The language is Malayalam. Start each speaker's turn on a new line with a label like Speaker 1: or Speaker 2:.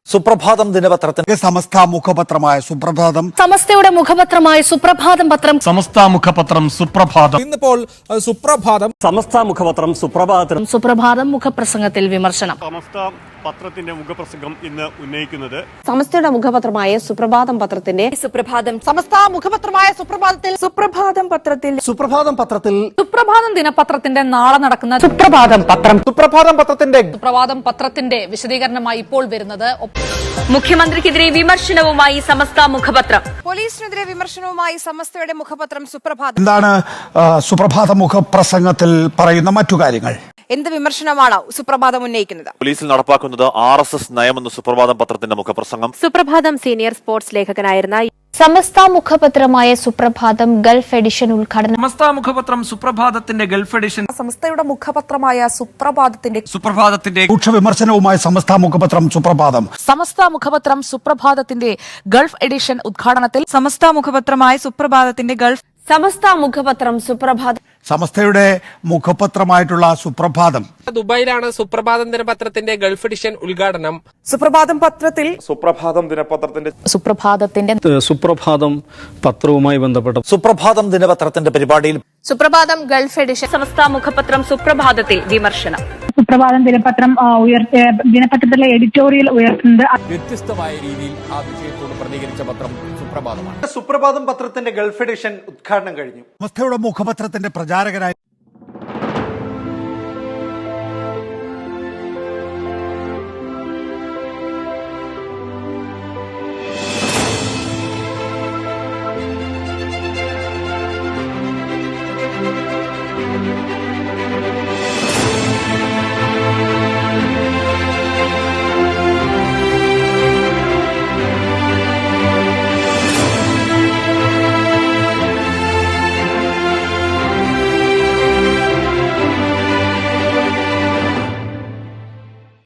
Speaker 1: സുപ്രഭാതം ദിനപത്രത്തിന്റെ
Speaker 2: സമസ്ത മുഖപത്രമായ സുപ്രഭാതം,
Speaker 3: സമസ്തയുടെ മുഖപത്രമായ സുപ്രഭാതം പത്രം,
Speaker 4: സമസ്ത മുഖപത്രം സുപ്രഭാതം,
Speaker 5: ഇന്നിപ്പോൾ സുപ്രഭാതം,
Speaker 6: സമസ്ത മുഖപത്രം സുപ്രഭാതം,
Speaker 3: സുപ്രഭാതം മുഖപ്രസംഗത്തിൽ വിമർശനം.
Speaker 7: സമസ്ത പത്രത്തിന്റെ മുഖപ്രസംഗം ഇന്ന് ഉന്നയിക്കുന്നത്
Speaker 8: സമസ്തയുടെ മുഖപത്രമായ സുപ്രഭാതം പത്രത്തിന്റെ
Speaker 9: സമസ്ത മുഖപത്രമായ സുപ്രഭാതത്തിൽ സുപ്രഭാതം പത്രത്തിൽ
Speaker 3: സുപ്രഭാതം ദിനപത്രത്തിന്റെ നാളെ നടക്കുന്ന
Speaker 8: സുപ്രഭാതം പത്രം
Speaker 3: സുപ്രഭാതം പത്രത്തിന്റെ വിശദീകരണമായി ഇപ്പോൾ വരുന്നത്
Speaker 9: മുഖ്യമന്ത്രിക്കെതിരെ വിമർശനവുമായി സമസ്ത മുഖപത്രം, പോലീസിനെതിരെ വിമർശനവുമായി സമസ്തയുടെ മുഖപത്രം സുപ്രഭാതം.
Speaker 2: എന്താണ് സുപ്രഭാത മുഖപ്രസംഗത്തിൽ പറയുന്ന മറ്റു കാര്യങ്ങൾ?
Speaker 9: എന്ത് വിമർശനമാണ് സുപ്രഭാതം ഉന്നയിക്കുന്നത്?
Speaker 1: പോലീസിൽ നടപ്പാക്കുന്നത് RSS നയമെന്ന് സുപ്രഭാതം പത്രത്തിന്റെ മുഖപ്രസംഗം.
Speaker 8: സുപ്രഭാതം സീനിയർ സ്പോർട്സ് ലേഖകനായിരുന്ന
Speaker 10: സമസ്ത മുഖപത്രമായ സുപ്രഭാതം ഗൾഫ് എഡിഷൻ ഉദ്ഘാടനം.
Speaker 4: സമസ്ത മുഖപത്രം സുപ്രഭാതത്തിന്റെ ഗൾഫ് എഡിഷൻ.
Speaker 9: സമസ്തയുടെ മുഖപത്രമായ
Speaker 4: സുപ്രഭാതത്തിന്റെ
Speaker 2: രൂക്ഷ വിമർശനവുമായി സമസ്ത മുഖപത്രം സുപ്രഭാതം.
Speaker 3: സമസ്ത മുഖപത്രം സുപ്രഭാതത്തിന്റെ ഗൾഫ് എഡിഷൻ ഉദ്ഘാടനത്തിൽ
Speaker 9: സമസ്ത മുഖപത്രമായ സുപ്രഭാതത്തിന്റെ ഗൾഫ്
Speaker 8: സമസ്ത മുഖപത്രം സുപ്രഭാതം.
Speaker 2: സമസ്തയുടെ മുഖപത്രമായിട്ടുള്ള സുപ്രഭാതം
Speaker 5: ദുബായിലാണ് സുപ്രഭാതം ദിനപത്രത്തിന്റെ ഗൾഫ് എഡിഷൻ ഉദ്ഘാടനം.
Speaker 9: സുപ്രഭാതം പത്രത്തിൽ
Speaker 7: സുപ്രഭാതം ദിനപത്രത്തിന്റെ
Speaker 6: സുപ്രഭാതം പത്രവുമായി ബന്ധപ്പെട്ട
Speaker 1: സുപ്രഭാതം ദിനപത്രത്തിന്റെ പരിപാടിയിൽ
Speaker 3: സുപ്രഭാതം ഗൾഫ് എഡിഷൻ.
Speaker 9: സമസ്ത മുഖപത്രം സുപ്രഭാതത്തിൽ വിമർശനം.
Speaker 10: സുപ്രഭാതം ദിനപത്രം ദിനപത്രത്തിലെ എഡിറ്റോറിയൽ ഉയർത്തുന്നത്
Speaker 5: വ്യത്യസ്തമായ രീതിയിൽ ആ വിഷയത്തോട് പ്രതികരിച്ച പത്രം സുപ്രഭാതമാണ്.
Speaker 1: സുപ്രഭാതം പത്രത്തിന്റെ ഗൾഫ് എഡിഷൻ ഉദ്ഘാടനം കഴിഞ്ഞു.
Speaker 2: സമസ്തയുടെ മുഖപത്രത്തിന്റെ പ്രചാരകരായി